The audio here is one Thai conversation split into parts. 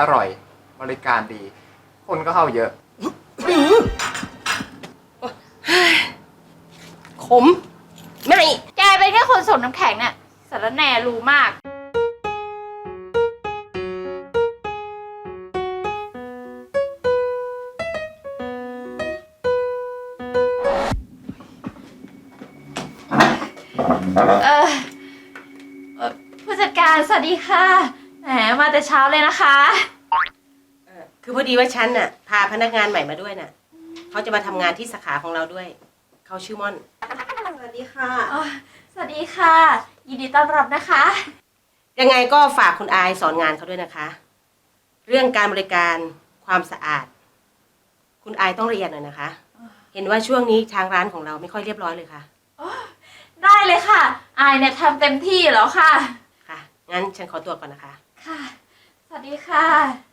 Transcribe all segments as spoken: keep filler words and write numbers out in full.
อร่อยบริการดีคนก็เข้าเยอะขมไม่แกเป็นแค่คนส่งน้ำแข็งเนี่ยสารแหน่รู้มากเออผู้จัดการสวัสดีค่ะแหมมาแต่เช้าเลยนะคะคือพอดีว่าฉันน่ะพาพนักงานใหม่มาด้วยน่ะเขาจะมาทำงานที่สาขาของเราด้วยเขาชื่อม่อนสวัสดีค่ะสวัสดีค่ะยินดีต้อนรับนะคะยังไงก็ฝากคุณอายสอนงานเขาด้วยนะคะเรื่องการบริการความสะอาดคุณอายต้องละเอียดหน่อยนะคะเห็นว่าช่วงนี้ทางร้านของเราไม่ค่อยเรียบร้อยเลยค่ะได้เลยค่ะอายเนี่ยทำเต็มที่แล้วค่ะค่ะงั้นฉันขอตัวก่อนนะคะค่ะสวัสดีค่ะ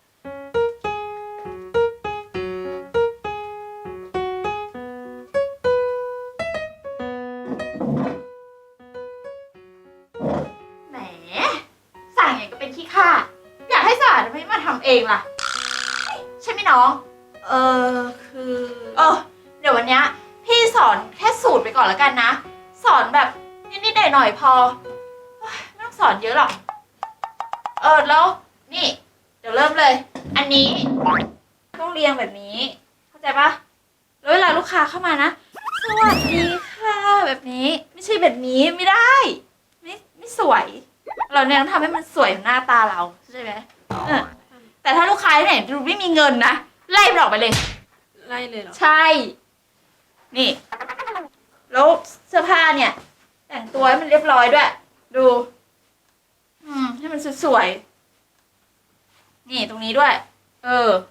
แหมสั่งอย่างก็เป็นขี้ข้าอยากให้สะอาดทำไมไม่มาทำเองล่ะใช่ไหมน้องเออคือเออเดี๋ยววันนี้พี่สอนแค่สูตรไปก่อนแล้วกันนะสอนแบบนิดๆหน่อยๆพอไม่ต้องสอนเยอะหรอกเออแล้วนี่เดี๋ยวเริ่มเลยอันนี้ต้องเรียงแบบนี้เข้าใจปะแล้วเวลาลูกค้าเข้ามานะสวัสดีค่ะแบบนี้ไม่ใช่แบบนี้ไม่ได้ไม่ไม่สวยเราเนี่ยต้องทำให้มันสวยหน้าตาเราใช่ไหมเออแต่ถ้าลูกค้าเนี่ยดูไม่มีเงินนะไล่มันออกไปเลยไล่เลยเหรอใช่นี่แล้วเสื้อผ้าเนี่ยแต่งตัวให้มันเรียบร้อยด้วยดูอืมให้มันสวยๆนี่ตรงนี้ด้วยเออ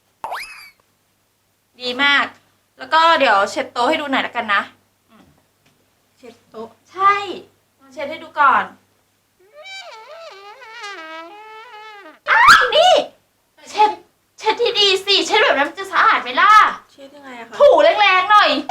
ดีมากแล้วก็เดี๋ยวเช็ดโต๊ะให้ดูหน่อยละกันนะเช็ดโต๊ะใช่ลองเช็ดให้ดูก่อนอ้าวนี่เช็ดเช็ดที่ดีสิเช็ดแบบนั้นมันจะสะอาดไหมล่ะเช็ดยังไงอะคะถูแรงๆหน่อย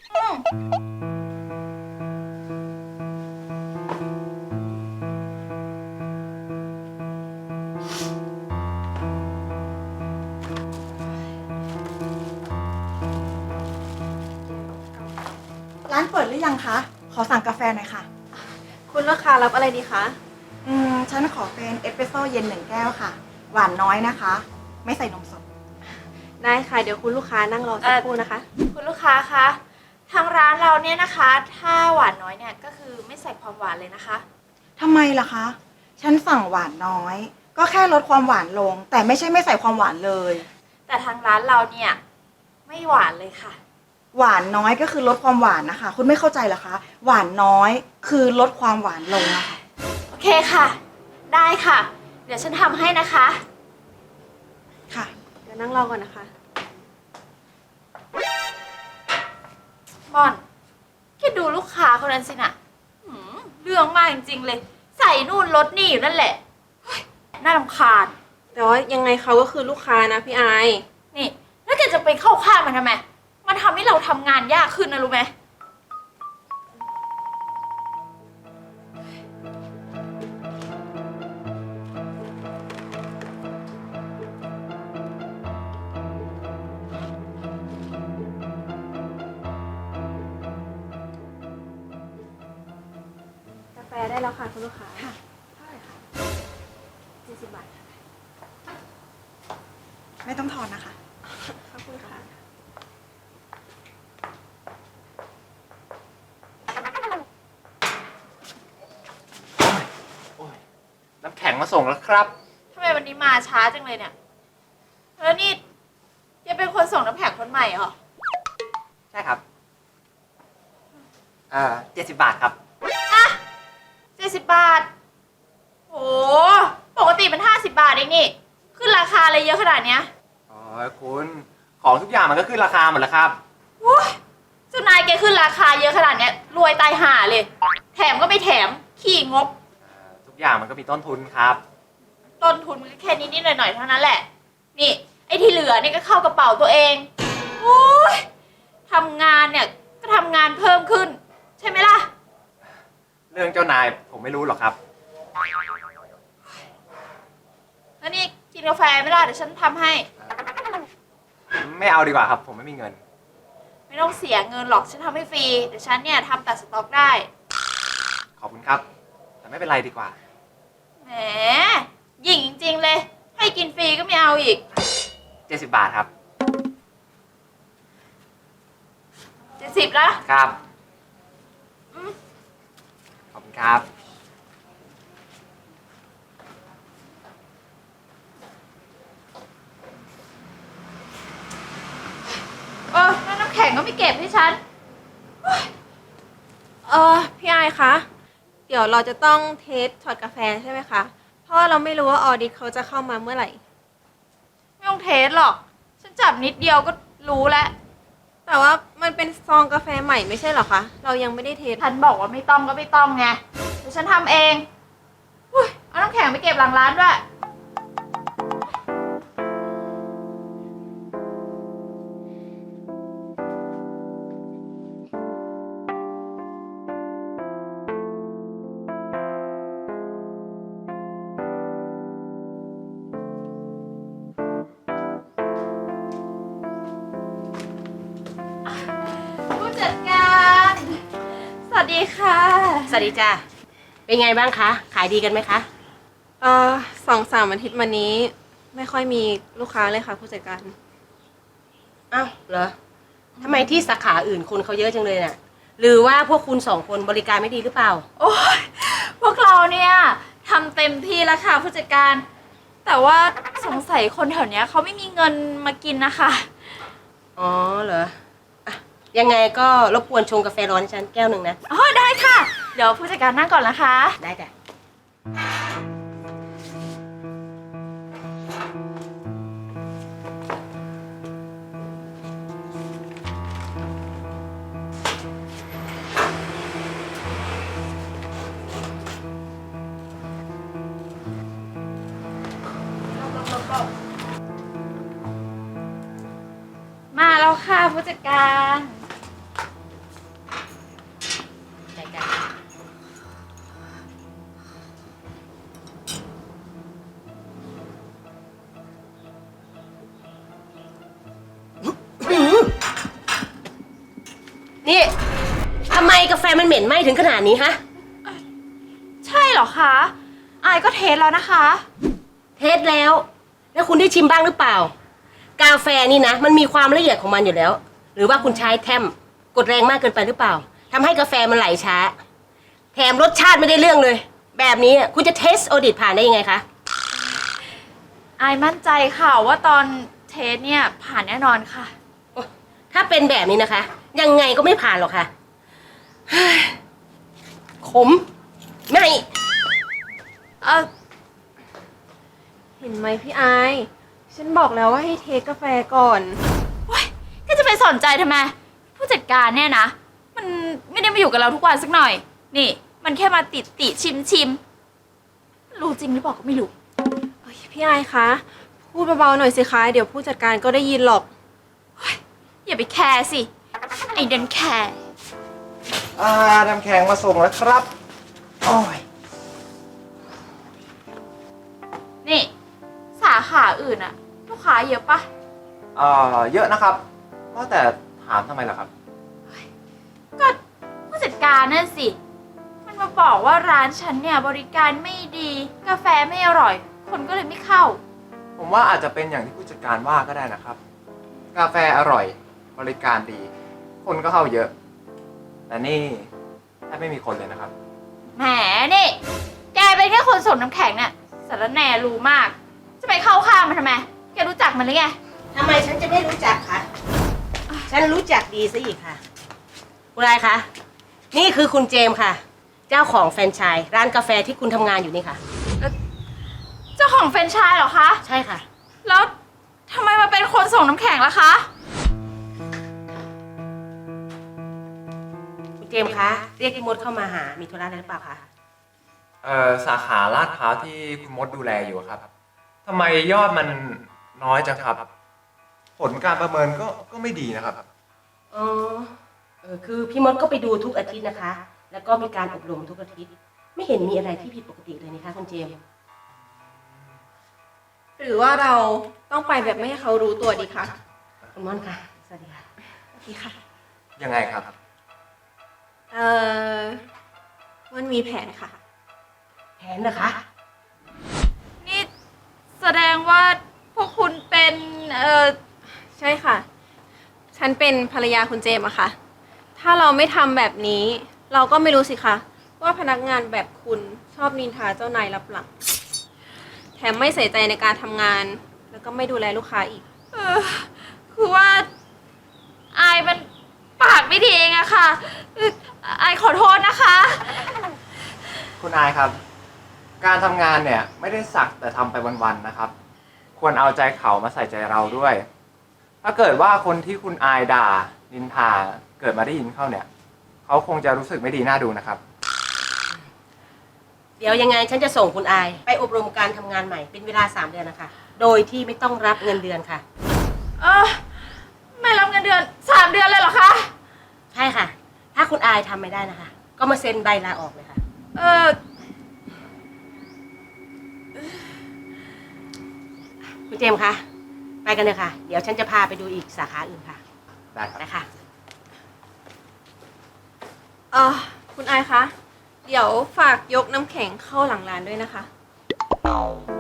ร้านเปิดหรือยังคะ ขอสั่งกาแฟหน่อยค่ะคุณลูกค้ารับอะไรดีคะอืม ฉันขอเป็นเอสเปรสโซ่เย็นหนึ่งแก้วค่ะ หวานน้อยนะคะ ไม่ใส่นมสดได้ค่ะ เดี๋ยวคุณลูกค้านั่งรอสักครู่นะคะคุณลูกค้าคะทางร้านเราเนี่ยนะคะถ้าหวานน้อยเนี่ยก็คือไม่ใส่ความหวานเลยนะคะทำไมล่ะคะ ฉันสั่งหวานน้อย ก็แค่ลดความหวานลง แต่ไม่ใช่ไม่ใส่ความหวานเลยแต่ทางร้านเราเนี่ยไม่หวานเลยค่ะหวานน้อยก็คือลดความหวานนะคะ คุณไม่เข้าใจเหรอคะ หวานน้อยคือลดความหวานลงนะคะโอเคค่ะได้ค่ะเดี๋ยวฉันทำให้นะคะค่ะเดี๋ยวนั่งรอก่อนนะคะม่อนแค่ดูลูกค้าคนนั้นสินะเรื่องมากจริงๆเลยใส่นู่นลดนี่อยู่นั่นแหละน่ารำคาญแต่ว่ายังไงเขาก็คือลูกค้านะพี่ไอนี่แล้วแกจะไปเข้าข้างมันทำไมมันทำให้เราทำงานยากขึ้นนะรู้ไหมกาแฟได้แล้วค่ะคุณลูกค้าค่ะเท่าไหร่คะสี่สิบบาทไม่ต้องทอนนะคะขอบคุณค่ะน้ำแข็งมาส่งแล้วครับทำไมวันนี้มาช้าจังเลยเนี่ยแล้วนี่ยังเป็นคนส่งน้ำแข็งคนใหม่เหรอใช่ครับอ่าเจ็ดสิบบาทครับอ่ะเจ็ดสิบบาทโอ้ปกติมันห้าสิบบาทเองนี่ขึ้นราคาอะไรเยอะขนาดเนี้ยอ๋อคุณของทุกอย่างมันก็ขึ้นราคาหมดแล้วครับโอ้ยเจ้านายแกขึ้นราคาเยอะขนาดเนี้ยรวยตายห่าเลยแถมก็ไม่แถมขี้งบทุกอย่างมันก็มีต้นทุนครับต้นทุนมันก็แค่นิดๆหน่อยๆเท่านั้นแหละนี่ไอ้ที่เหลือนี่ก็เข้ากระเป๋าตัวเองโอ้ยทำงานเนี่ยก็ทำงานเพิ่มขึ้นใช่ไหมล่ะเรื่องเจ้านายผมไม่รู้หรอกครับแล้วนี่กินกาแฟไม่ได้เดี๋ยวฉันทำให้ไม่เอาดีกว่าครับ ผมไม่มีเงินไม่ต้องเสียเงินหรอกฉันทำให้ฟรีเดี๋ยวฉันเนี่ยทำตัดสต็อกได้ขอบคุณครับ แต่ไม่เป็นไรดีกว่าแหมหยิ่งจริงๆเลย ให้กินฟรีก็ไม่เอาอีกเจ็ดสิบบาทครับเจ็ดสิบละครับอืมขอบคุณครับเออแล้วน้ำแข็งก็ไม่เก็บให้ฉันเออพี่ไอายคะ เดี๋ยวเราจะต้องเทสช็อตกาแฟใช่ไหมคะ เพราะว่าเราไม่รู้ว่าออดิตเขาจะเข้ามาเมื่อไหร่ไม่ต้องเทสหรอก ฉันจับนิดเดียวก็รู้แล้วแต่ว่ามันเป็นซองกาแฟใหม่ไม่ใช่เหรอคะ เรายังไม่ได้เทสฉันบอกว่าไม่ต้องก็ไม่ต้องไงเดี๋ยวฉันทำเองอุ้ยเอาน้ำแข็งไปเก็บหลังร้านด้วย ผู้จัดการ สวัสดีค่ะสวัสดีจ้าเป็นไงบ้างคะ ขายดีกันไหมคะเออสองสามอาทิตย์มานี้ ไม่ค่อยมีลูกค้าเลยค่ะผู้จัดการอ้าวเหรอทำไมที่สาขาอื่นคนเขาเยอะจังเลยน่ะ หรือว่าพวกคุณสองคนบริการไม่ดีหรือเปล่าโอ้ยพวกเราเนี่ยทำเต็มที่แล้วค่ะผู้จัดการ แต่ว่าสงสัยคนแถวเนี้ยเขาไม่มีเงินมากินนะคะอ๋อเหรออ่ะยังไงก็รบกวนชงกาแฟร้อนให้ฉันแก้วหนึ่งนะอ๋อได้ค่ะ เดี๋ยวผู้จัดการนั่งก่อนนะคะได้จ้ะมาแล้วค่ะผู้จัดการได้จ้ะนี่ทำไมกาแฟมันเหม็นไหม้ถึงขนาดนี้ฮะใช่เหรอคะอายก็เทสแล้วนะคะเทสแล้ว แล้วคุณได้ชิมบ้างหรือเปล่า กาแฟนี่นะ มันมีความละเอียดของมันอยู่แล้ว หรือว่าคุณใช้แทมกดแรงมากเกินไปหรือเปล่าทำให้กาแฟมันไหลช้า แถมรสชาติไม่ได้เรื่องเลย แบบนี้คุณจะเทสออดิตผ่านได้ยังไงคะอายมั่นใจค่ะว่าตอนเทสเนี่ยผ่านแน่นอนค่ะถ้าเป็นแบบนี้นะคะ ยังไงก็ไม่ผ่านหรอกค่ะเฮ้ยขมไม่เออเห็นไหมพี่ไอายฉันบอกแล้วว่าให้เทสกาแฟก่อนโอ๊ยก็จะไปสนใจทำไม ผู้จัดการเนี่ยนะ มันไม่ได้มาอยู่กับเราทุกวันสักหน่อย นี่ มันแค่มาติดติชิมชิมรู้จริงหรือเปล่าก็ไม่รู้เอ้ยพี่ไอายคะ พูดเบาๆหน่อยสิคะ เดี๋ยวผู้จัดการก็ได้ยินหรอกอย่าไปแคร์สิ ไอ้ดันแคร์อ่าน้ำแข็งมาส่งแล้วครับ โอ้ยนี่ สาขาอื่นอะลูกค้าเยอะปะเอ่อ เยอะนะครับว่าแต่ถามทำไมล่ะครับก็ผู้จัดการนั่นสิ มันมาบอกว่าร้านฉันเนี่ยบริการไม่ดี กาแฟไม่อร่อย คนก็เลยไม่เข้าผมว่าอาจจะเป็นอย่างที่ผู้จัดการว่าก็ได้นะครับ กาแฟอร่อย บริการดี คนก็เข้าเยอะ แต่นี่แทบไม่มีคนเลยนะครับแหมนี่ แกเป็นแค่คนส่งน้ำแข็งเนี่ยสารแหน่รู้มาก จะไปเข้าข้างมันทำไม แกรู้จักมันหรือไงทำไมฉันจะไม่รู้จักคะ ฉันรู้จักดีซะอีกค่ะ คุณนายคะ นี่คือคุณเจมส์ค่ะ เจ้าของแฟรนไชส์ร้านกาแฟที่คุณทำงานอยู่นี่ค่ะเจ้าของแฟรนไชส์เหรอคะใช่ค่ะแล้วทำไมมาเป็นคนส่งน้ำแข็งล่ะคะคุณเจมส์คะ เรียกพี่มดเข้ามาหา มีธุระอะไรหรือเปล่าคะเอ่อ สาขาลาดพร้าวที่คุณมดดูแลอยู่ครับทำไมยอดมันน้อยจังครับ ผลการประเมินก็ก็ไม่ดีนะครับอ๋อ เออคือพี่มดก็ไปดูทุกอาทิตย์นะคะ แล้วก็มีการอบรมทุกอาทิตย์ ไม่เห็นมีอะไรที่ผิดปกติเลยนะคะคุณเจมส์หรือว่าเราต้องไปแบบไม่ให้เขารู้ตัวดีคะคุณม่อนค่ะ สวัสดีค่ะโอเคค่ะยังไงครับเอ่อมันมีแผนค่ะแผนนะคะนี่แสดงว่าพวกคุณเป็น เอ่อใช่ค่ะ ฉันเป็นภรรยาคุณเจมส์อะค่ะ ถ้าเราไม่ทำแบบนี้ เราก็ไม่รู้สิคะว่าพนักงานแบบคุณชอบนินทาเจ้านายรับหลัง แถมไม่ใส่ใจในการทำงาน แล้วก็ไม่ดูแลลูกค้าอีกเออคือว่าอายมันปากไม่ดีเองอะค่ะเอ่ออายขอโทษนะคะคุณอายครับ การทำงานเนี่ยไม่ได้สักแต่ทำไปวันๆนะครับ ควรเอาใจเขามาใส่ใจเราด้วย ถ้าเกิดว่าคนที่คุณอายด่านินทาเกิดมาได้ยินเข้าเนี่ย เขาคงจะรู้สึกไม่ดีน่าดูนะครับเดี๋ยวยังไงฉันจะส่งคุณอาย ไปอบรมการทำงานใหม่เป็นเวลาสามเดือนนะคะ โดยที่ไม่ต้องรับเงินเดือนค่ะเออไม่รับเงินเดือนสามเดือนเลยเหรอคะใช่ค่ะ ถ้าคุณอายทำไม่ได้นะคะ ก็มาเซ็นใบลาออกเลยค่ะเออคุณเจมส์คะ ไปกันเลยค่ะ เดี๋ยวฉันจะพาไปดูอีกสาขาอื่นค่ะได้ครับนะคะเออคุณอายคะ เดี๋ยวฝากยกน้ำแข็งเข้าหลังร้านด้วยนะคะ